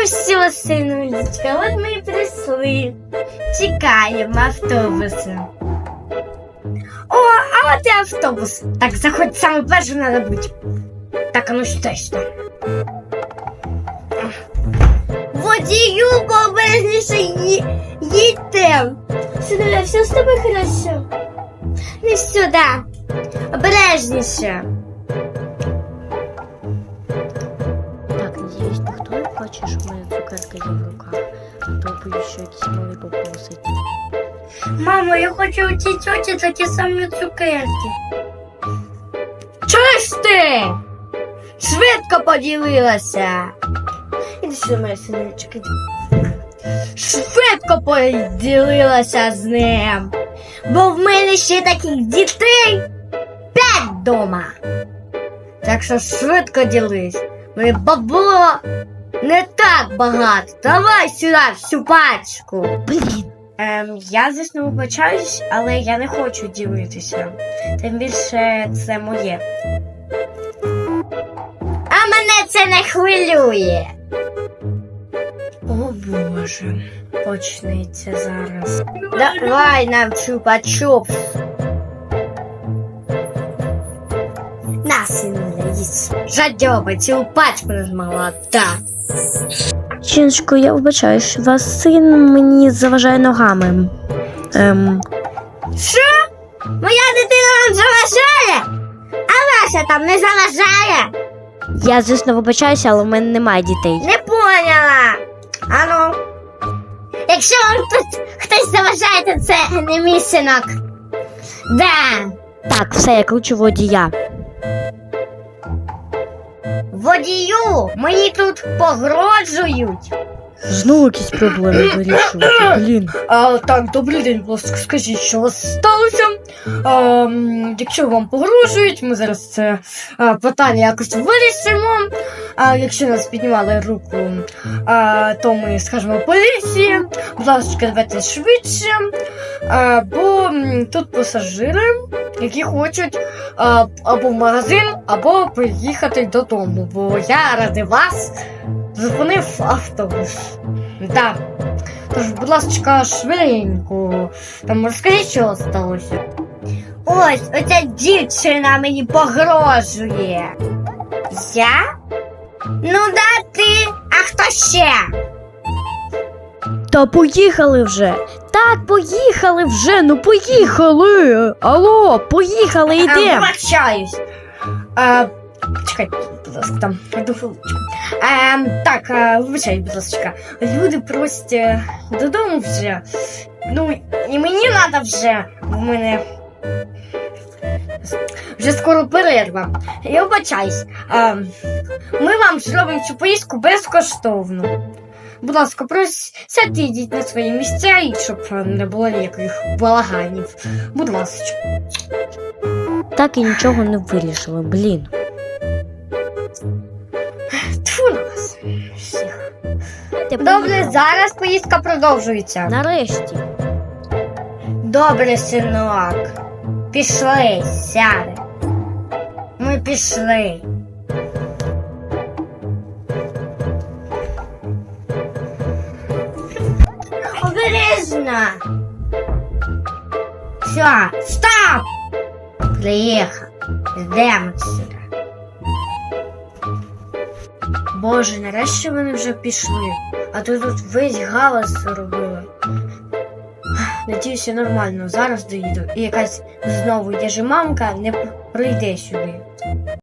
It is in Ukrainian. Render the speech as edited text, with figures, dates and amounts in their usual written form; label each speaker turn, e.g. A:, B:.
A: Ну все, синулечка, от ми і прийшли. Чекаємо автобуса. О, а от і автобус. Так, заходь, саме першим треба бути. Так, а ну що ж там? Водію, обережніше їдьте. Синуля, все з тобою хорошо? Не все, да. Обережніше.
B: Так, надіюсь, ніхто не хоче, щоб моя цукерка є в руках, а то боюсь, що якісь мали попросить.
A: Мамо, я хочу у цій тьоті такі самі цукерки. Чуєш ти? Швидко поділилася. Іди сюди, моя синичка. Швидко поділилася з ним. Бо в мене ще таких дітей 5 дома. Так що швидко ділись. Моє бабло не так багато. Давай сюди всю пачку.
B: Блін!
A: Я, звісно, вибачаюсь, але я не хочу ділитися. Тим більше це моє. А мене це не хвилює. О Боже, почнеться зараз. Давай нам чупа-чупс. На, синуля, їсть. Жадьоба, цілу пачку не змогла, так.
B: Жіночко, я вибачаюсь, вас син мені заважає ногами.
A: Що? Моя дитина вам заважає? А ваша там не заважає?
B: Я, звісно, вибачаюся, але в мене немає дітей.
A: Не поняла. Ану. Якщо вам тут хтось заважає, то це не мій синок. Да.
B: Так, все, я кручу водія.
A: Водію, мені тут погрожують.
B: Знову якісь проблеми вирішувати, блін.
C: Так, добрий день, будь ласка, скажіть, що у вас сталося? Якщо вам погрожують, ми зараз це питання якось вирішимо. Якщо нас піднімали руку, то ми скажемо поліції. Будь ласка, давайте швидше, бо тут пасажири, які хочуть або в магазин, або приїхати додому, бо я ради вас зупинив автобус. Так. Тож, будь ласка, швиденько. Там розкажіть, що сталося.
A: Ось, оця дівчина мені погрожує. Я? Ну да ти, а хто ще?
B: Та поїхали вже. Так, поїхали вже, ну поїхали. Алло, поїхали, йдемо.
A: Вибачаюсь.
C: Чекай, будь ласка, там, одну хвилиночку. Так, вибачай, будь ласка. Люди просять додому вже. Ну, і мені треба вже. В мене вже скоро перерва. Я вибачаюсь. Ми вам зробимо цю поїздку безкоштовно. Будь ласка, сядьте, йдіть на свої місця, і щоб не було ніяких балаганів. Будь ласка.
B: Так і нічого не вирішили, блін.
A: Тьфу на вас всіх. Добре, зараз поїздка продовжується.
B: Нарешті.
A: Добре, синок. Пішли, сяде. Ми пішли. Обережно. Все, стоп! Приїхав. Йдемо сюди. Боже, нарешті вони вже пішли. А то тут весь галас робили. Надіюся, нормально. Зараз доїду. І якась знову яжемамка не прийде сюди.